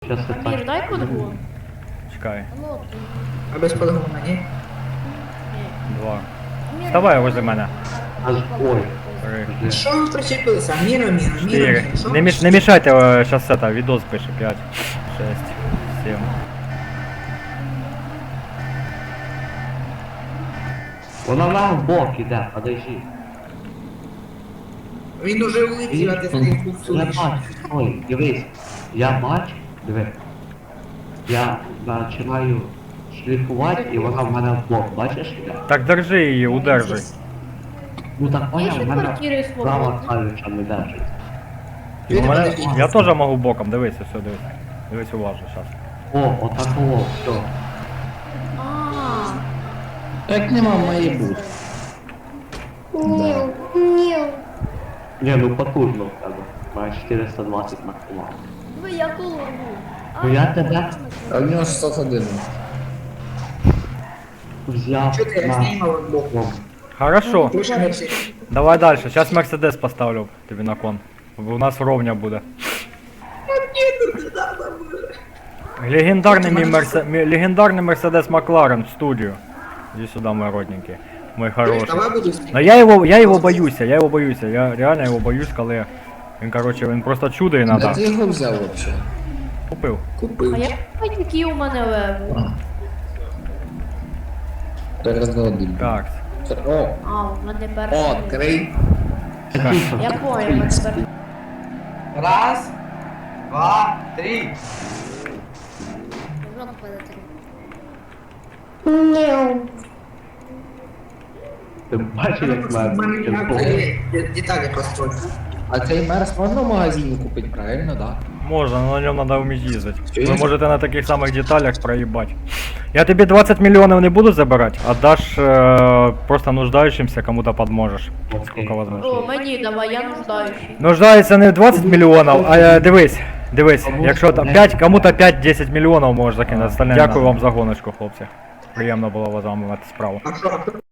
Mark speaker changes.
Speaker 1: Сейчас
Speaker 2: Амір,
Speaker 1: это...
Speaker 2: дай подгон.
Speaker 3: Чекай.
Speaker 2: Ну,
Speaker 4: А без подгона, ні?
Speaker 2: ні.
Speaker 3: 2.
Speaker 2: Амір,
Speaker 3: Вставай возле мене.
Speaker 1: Ой.
Speaker 3: 3.
Speaker 4: Що ви причепилися? Міра,
Speaker 3: 4. Не мешайте, сейчас это, видос пише. 5, 6, 7.
Speaker 1: Вона нам в бок іде, подожди.
Speaker 4: Він уже улетів, а ти стоїш
Speaker 1: Я
Speaker 4: куксуєш.
Speaker 1: бачу, ой, дивись. Я бачу, диви. Я починаю шліфувати і вона в мене в бок, бачиш? іде?
Speaker 3: Так держи її, удержуй.
Speaker 1: Ну так
Speaker 2: Є
Speaker 1: поняв,
Speaker 2: ще
Speaker 1: в мене
Speaker 2: квартири
Speaker 1: права
Speaker 2: свободні.
Speaker 1: клавіша не держить.
Speaker 3: У мене... Я теж можу боком, дивися, все, дивись. Дивись уважно зараз.
Speaker 1: О, отакого, все.
Speaker 2: А,
Speaker 5: Так нема має бути.
Speaker 1: Ні, ну потужно в тебе. Має 420 максимально.
Speaker 2: ви я колорву.
Speaker 1: Ну я тебе
Speaker 5: А в нього 601.
Speaker 1: взяв
Speaker 4: Чого ти як
Speaker 1: на...
Speaker 4: знімав боком?
Speaker 3: Хорошо.
Speaker 4: Дуже гаряче.
Speaker 3: Давай дальше. Сейчас Мерседес поставлю тобі на кон. У нас ровня буде. Легендарний Мерседес Макларен в студию. Иди сюда, мой родненький. Мой хороший.
Speaker 4: Давай буду знімати.
Speaker 3: Но я его боюсь, я реально его боюсь, коли він, короче, він просто чудо і
Speaker 5: Де
Speaker 3: надо.
Speaker 5: ти його взяв вообще?
Speaker 3: Купив.
Speaker 4: Купив.
Speaker 2: А як бачить, які у мене леви?
Speaker 5: Перезадим.
Speaker 3: Так.
Speaker 5: О,
Speaker 2: А, у мене
Speaker 5: о,
Speaker 2: перший.
Speaker 5: крий.
Speaker 2: Я понял, у мене перший.
Speaker 4: Раз, два, три.
Speaker 1: Ти бачиш, як мене
Speaker 4: Деталі построю.
Speaker 5: А цей мерс можна в магазині купити, правильно, да?
Speaker 3: Можно, но на нем надо уметь ездить.
Speaker 5: Чуєш?
Speaker 3: Вы можете на таких самых деталях проебать. Я тебе 20 миллионов не буду забирать, отдашь просто нуждающимся, кому-то подможешь. Сколько возможно.
Speaker 2: О, мені давай, я нуждаючий.
Speaker 3: Нуждається не 20 мільйонів, а дивись, якщо там 5, кому-то 5-10 мільйонів можеш закинути. Остальне. Дякую вам за гоночку, хлопці. Приємно було з вами мати справу.
Speaker 4: А що?